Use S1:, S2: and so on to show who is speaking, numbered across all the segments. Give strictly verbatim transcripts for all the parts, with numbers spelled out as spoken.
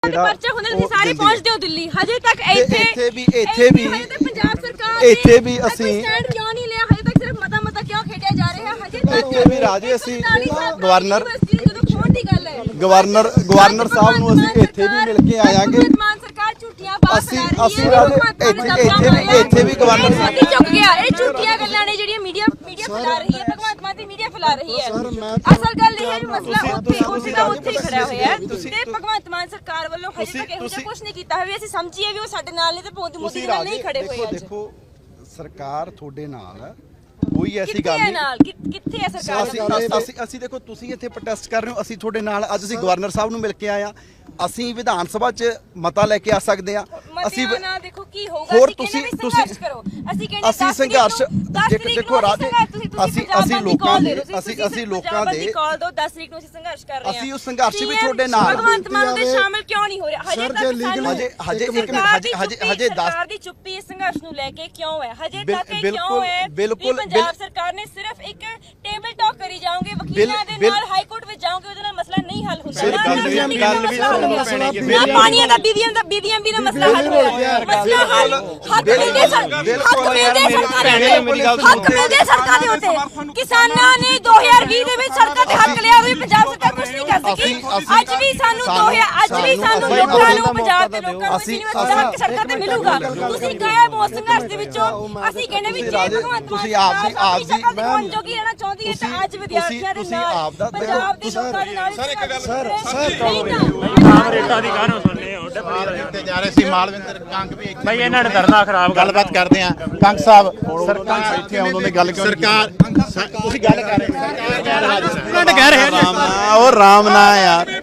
S1: ਪਰਚਾ ਹੁੰਦੇ ਤੁਸੀਂ ਸਾਰੇ ਪਹੁੰਚਦੇ ਹੋ ਦਿੱਲੀ ਹਜੇ ਤੱਕ ਇੱਥੇ
S2: ਇੱਥੇ ਵੀ ਇੱਥੇ ਵੀ
S1: ਹਜੇ ਤੱਕ ਪੰਜਾਬ ਸਰਕਾਰ
S2: ਇੱਥੇ ਵੀ ਅਸੀਂ
S1: ਸਟੈਂਡ ਕਿਉਂ ਨਹੀਂ ਲਿਆ ਹਜੇ ਤੱਕ ਸਿਰਫ ਮਤਾ ਮਤਾ ਕਿਉਂ ਖੇਡਿਆ ਜਾ ਰਿਹਾ ਹਜੇ ਤੱਕ
S2: ਇੱਥੇ ਵੀ ਰਾਜੇ ਅਸੀਂ ਗਵਰਨਰ
S1: ਜਦੋਂ ਖੋਣ ਦੀ ਗੱਲ ਹੈ
S2: ਗਵਰਨਰ ਗਵਰਨਰ ਸਾਹਿਬ ਨੂੰ ਅਸੀਂ ਇੱਥੇ ਵੀ ਮਿਲ ਕੇ ਆਵਾਂਗੇ
S1: ਮਾਨ ਸਰਕਾਰ ਝੂਠੀਆਂ ਬਾਤ
S2: ਅਸੀਂ ਅਸੀਂ ਰਾਜੇ ਇੱਥੇ ਇੱਥੇ ਵੀ ਇੱਥੇ ਵੀ ਗਵਰਨਰ ਸਾਹਿਬ
S1: ਚੁੱਕ ਗਿਆ ਇਹ ਝੂਠੀਆਂ ਗੱਲਾਂ ਨੇ ਜਿਹੜੀਆਂ ਮੀਡੀਆ ਮੀਡੀਆ ਫੈਲਾ ਰਹੀ ਹੈ ਭਗਵੰਤ ਮਾਨ ਦੀ ਮੀਡੀਆ ਫੈਲਾ ਰਹੀ ਹੈ ਅਸਲ ਗੱਲ ਇਹ ਹੈ ਵੀ ਮਸਲਾ ਉੱਥੇ ਉੱਥੇ ਦਾ ਉੱਥੇ ਹੀ ਖੜਾ ਹੋਇਆ ਹੈ ਤੇ ਭਗਵੰਤ ਮਾਨ ਸਰਕਾਰ ਵੱਲੋਂ ਹਜੇ ਤੱਕ ਇਹੋ ਜਿਹਾ ਕੁਝ ਨਹੀਂ ਕੀਤਾ ਹੋਇਆ ਵੀ ਅਸੀਂ ਸਮਝੀਏ ਵੀ ਉਹ ਸਾਡੇ ਨਾਲ ਨੇ ਤੇ ਮੋਦੀ ਨਾਲ ਨਹੀਂ ਖੜੇ ਹੋਏ ਅੱਜ
S2: ਦੇਖੋ ਸਰਕਾਰ ਤੁਹਾਡੇ ਨਾਲ ਹੈ ਕੋਈ ਐਸੀ ਗੱਲ
S1: ਕਿੱਥੇ ਨਾਲ ਕਿੱਥੇ ਹੈ ਸਰਕਾਰ
S2: ਅਸੀਂ ਅਸੀਂ ਅਸੀਂ ਦੇਖੋ ਤੁਸੀਂ ਇੱਥੇ ਪ੍ਰੋਟੈਸਟ ਕਰ ਰਹੇ ਹੋ ਅਸੀਂ ਤੁਹਾਡੇ ਨਾਲ ਅੱਜ ਅਸੀਂ ਗਵਰਨਰ ਸਾਹਿਬ ਨੂੰ ਮਿਲ ਕੇ ਆਏ ਆ ਅਸੀਂ ਵਿਧਾਨ ਸਭਾ 'ਚ ਮਤਾ ਲੈ ਕੇ ਆ ਸਕਦੇ ਆ
S1: ਅਸੀਂ ਨਾ ਦੇਖੋ ਕੀ ਹੋਊਗਾ
S2: ਹੋਰ ਤੁਸੀਂ ਤੁਸੀਂ
S1: ਕਰੋ ਅਸੀਂ ਕਹਿੰਦੇ
S2: ਅਸੀਂ ਸੰਘਰਸ਼ ਦੇਖੋ ਰਾਜੇ ਅਸੀਂ ਅਸੀਂ ਲੋਕਾਂ ਦੇ ਅਸੀਂ ਅਸੀਂ ਲੋਕਾਂ ਦੇ
S1: ਕਾਲ ਦੋ ਦਸ ਤਰੀਕ ਨੂੰ ਅਸੀਂ ਸੰਘਰਸ਼ ਕਰ ਰਹੇ ਹਾਂ
S2: ਅਸੀਂ ਉਸ ਸੰਘਰਸ਼ ਵੀ ਤੁਹਾਡੇ ਨਾਲ
S1: ਭਗਵੰਤ ਮਾਨ ਦੇ ਸ਼ਾਮਿਲ ਕਿਉਂ ਨਹੀਂ ਹੋ ਰਿਹਾ ਹਜੇ ਤੱਕ
S2: ਹਜੇ ਹਜੇ ਇੱਕ ਮਿੰਟ ਹਜੇ ਹਜੇ ਹਜੇ ਦਸ
S1: ਸਰਕਾਰ ਦੀ ਚੁੱਪੀ ਇਸ ਸੰਘਰਸ਼ ਨੂੰ ਲੈ ਕੇ ਕਿਉਂ ਹੈ ਹਜੇ ਤੱਕ ਇਹ ਕਿਉਂ ਹੈ
S2: ਬਿਲਕੁਲ
S1: ਪੰਜਾਬ ਸਰਕਾਰ ਨੇ ਸਿਰਫ ਇੱਕ ਟੇਬਲ ਟਾਕ ਕਰੀ ਜਾਓਗੇ ਵਕੀਲਾਂ ਦੇ ਨਾਲ ਹਾਈ ਕੋਰਟ ਵਿੱਚ ਜਾਓਗੇ ਉਹਦੇ ਨਾਲ ਮਸਲਾ ਨਹੀਂ ਹੱਲ ਹੁੰਦਾ ਗੱਲ ਵੀ ਨਾ ਪਾਣੀਆਂ ਦਾ ਬੀਬੀਆਂ ਦਾ ਬੀਬੀਆਂ ਵੀ ਦਾ ਮਸਲਾ ਹੱਲ ਹੋਇਆ ਮਸਲਾ ਹੱਲ ਹੱਕ ਮਿਲਦੇ ਸਰ ਹੱਕ ਮਿਲਦੇ ਸਰਕਾਰ ਦੇ ਹੱਕ ਮਿਲਦੇ ਸੜਕਾਂ ਦੇ ਉੱਤੇ ਕਿਸਾਨਾਂ ਨੇ ਦੋ ਹਜ਼ਾਰ ਵੀਹ ਦੇ ਵਿੱਚ ਸੜਕਾਂ ਤੇ ਹੱਕ ਲਿਆ ਵੀ ਪੰਜਾਬ ਸਰਕਾਰ ਕੁਝ ਨਹੀਂ ਕਰ ਸਕੀ ਅੱਜ ਵੀ ਸਾਨੂੰ ਦੋ ਹਜ਼ਾਰ ਅੱਜ ਵੀ ਸਾਨੂੰ ਲੋਕਾਂ ਨੂੰ ਪੰਜਾਬ ਦੇ ਲੋਕਾਂ ਨੂੰ ਹੱਕ ਸੜਕਾਂ ਤੇ ਮਿਲੂਗਾ ਤੁਸੀਂ ਗਾਇਬ ਹੋ ਸੰਘਰਸ਼ ਦੇ ਵਿੱਚੋਂ ਅਸੀਂ ਕਹਿੰਦੇ ਵੀ ਜੇ ਭਗਵੰਤ
S2: ਤੁਸੀਂ ਆਪ ਦੀ ਆਪ ਦੀ
S1: ਮੈਂ ਜੋਗੀ ਰਹਿਣਾ ਚਾਹੁੰਦੀ ਹੈ ਤਾਂ ਅੱਜ ਵਿਦਿਆਰਥੀਆਂ ਦੇ ਨਾਲ ਪੰਜਾਬ ਦੇ ਲੋਕਾਂ ਦੇ ਨਾਲ
S2: ਸਰ ਇੱਕ ਗੱਲ ਸਰ ਸਰ
S3: ਰੇਟਾਂ ਦੀ ਕਾਹਨੂੰ ਸੁਣਨੇ ਹੋ
S4: ਤੇ ਜਾ ਰਹੇ ਸੀ ਮਾਲਵਿੰਦਰ ਕੰਗ ਵੀ
S3: ਬਈ ਇਹਨਾਂ ਨੇ ਧਰਨਾ ਖਰਾਬ
S4: ਗੱਲਬਾਤ ਕਰਦੇ ਆ ਕੰਗ ਸਾਹਿਬ ਸਰਕਾਰ ਇੱਥੇ ਆਉਂਦੋਂ ਦੀ ਗੱਲ ਕਿਉਂ ਸਰਕਾਰ ਤੁਸੀਂ ਗੱਲ ਕਰ ਰਹੇ
S3: ਮਿੰਟ ਕਹਿ ਰਹੇ
S2: ਰਾਮ ਨਾ ਉਹ ਰਾਮ ਨਾ ਯਾਰ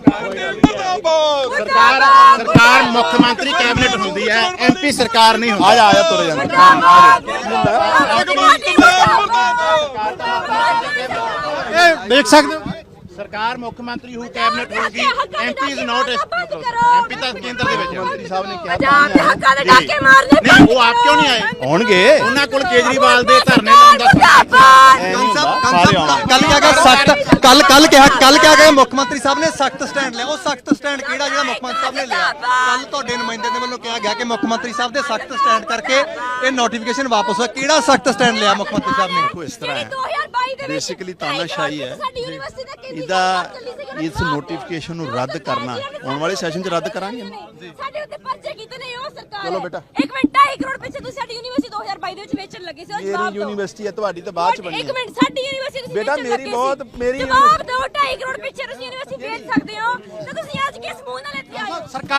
S4: ਸਰਕਾਰ ਸਰਕਾਰ ਮੁੱਖ ਮੰਤਰੀ ਕੈਬਨਿਟ ਹੁੰਦੀ ਹੈ ਐਮਪੀ ਸਰਕਾਰ ਨਹੀਂ ਹੁੰਦੀ
S2: ਆ ਜਾ ਆ ਜਾ ਤੁਰ ਜਾ
S4: ਇਹ ਦੇਖ ਸਕਦੇ ਹੋ ਸਰਕਾਰ ਮੁੱਖ ਮੰਤਰੀ ਹੂ ਕੈਬਨਿਟ ਹੋਊਗੀ ਐਮਪੀ ਇਜ਼ ਨਾਟ ਐਮਪੀ ਤਾਂ ਕੇਂਦਰ ਦੇ ਵਿੱਚ ਮੰਤਰੀ ਸਾਹਿਬ ਨੇ ਕਿਹਾ
S1: ਪੰਜਾਬ ਦੇ ਹੱਕਾਂ ਦੇ ਡਾਕੇ ਮਾਰਨੇ
S4: ਨਹੀਂ ਉਹ ਆਪ ਕਿਉਂ ਨਹੀਂ ਆਏ
S2: ਆਉਣਗੇ
S4: ਉਹਨਾਂ ਕੋਲ ਕੇਜਰੀਵਾਲ ਦੇ ਧਰਨੇ ਲਾਉਣ ਦਾ
S5: ਕੱਲ ਕਿਹਾ ਗਿਆ ਸਖਤ ਕੱਲ ਕੱਲ ਕਿਹਾ ਕੱਲ ਕਿਹਾ ਗਿਆ ਮੁੱਖ ਮੰਤਰੀ ਸਾਹਿਬ ਨੇ ਸਖਤ ਸਟੈਂਡ ਲਿਆ ਉਹ ਸਖਤ ਸਟੈਂਡ ਕਿਹੜਾ ਜਿਹੜਾ ਮੁੱਖ ਮੰਤਰੀ ਸਾਹਿਬ ਨੇ ਲਿਆ ਕੱਲ ਤੁਹਾਡੇ ਨੁਮਾਇੰਦੇ ਦੇ ਵੱਲੋਂ ਕਿਹਾ ਗਿਆ ਕਿ ਮੁੱਖ ਮੰਤਰੀ ਸਾਹਿਬ ਦੇ ਸਖਤ ਸਟੈਂਡ ਕਰਕੇ ਇਹ ਨੋਟੀਫਿਕੇਸ਼ਨ ਵਾਪਸ ਹੋਇਆ ਕਿਹੜਾ ਸਖਤ ਸਟੈਂਡ ਲਿਆ ਮੁੱਖ ਮੰਤਰੀ ਸਾਹਿਬ ਨੇ
S2: ਦੇਖੋ ਇਸ ਤਰ੍ਹਾਂ ਹੈ ਬੇਸਿਕਲੀ ਤਾਨਾਸ਼ਾਹੀ ਹੈ ਇਹਦਾ ਇਸ ਨੋਟੀਫਿਕੇਸ਼ਨ ਨੂੰ ਰੱਦ ਕਰਨਾ ਆਉਣ ਵਾਲੇ ਸੈਸ਼ਨ 'ਚ ਰੱਦ ਕਰਾਂਗੇ
S1: ਸਾਡੇ ਉੱਤੇ ਪਰਚੇ ਕੀਤੇ ਨੇ ਉਹ ਸਰਕਾਰ
S2: ਚਲੋ ਬੇਟਾ
S1: ਇੱਕ ਮਿੰਟ ਢਾਈ ਕਰੋੜ ਪਿੱਛੇ ਤੁਸੀਂ ਸਾਡੀ ਯੂਨੀਵਰਸਿਟੀ ਦੋ ਹਜ਼ਾਰ ਬਾਈ ਦੇ ਵਿੱਚ ਵੇਚਣ ਲੱਗੇ ਸੀ ਉਹ ਜਵਾਬ
S2: ਮੇਰੀ
S1: ਦਿਓ
S2: ਯੂਨੀਵਰਸਿਟੀ ਹੈ ਤੁਹਾਡੀ ਤਾਂ ਬਾਅਦ 'ਚ ਬਣੀ
S1: ਇੱਕ ਮਿੰਟ ਸਾਡੀ ਯੂਨੀਵਰਸਿਟੀ ਤੁਸੀਂ
S2: ਬੇਟਾ
S1: ਵੇਚਣ
S2: ਮੇਰੀ
S1: ਲੱਗੇ
S2: ਬਹੁਤ
S1: ਸੀ।
S2: ਮੇਰੀ
S1: ਜਵਾਬ ਦਿਓ ਢਾਈ ਕਰੋੜ ਪਿੱਛੇ ਤੁਸੀਂ ਯੂਨੀਵਰਸਿਟੀ ਵੇਚ ਸਕਦੇ ਹੋ ਤੇ ਤੁਸੀਂ ਅੱਜ ਕਿਸ ਮੂੰਹ ਨਾਲ ਇੱਥੇ ਆਏ ਹੋ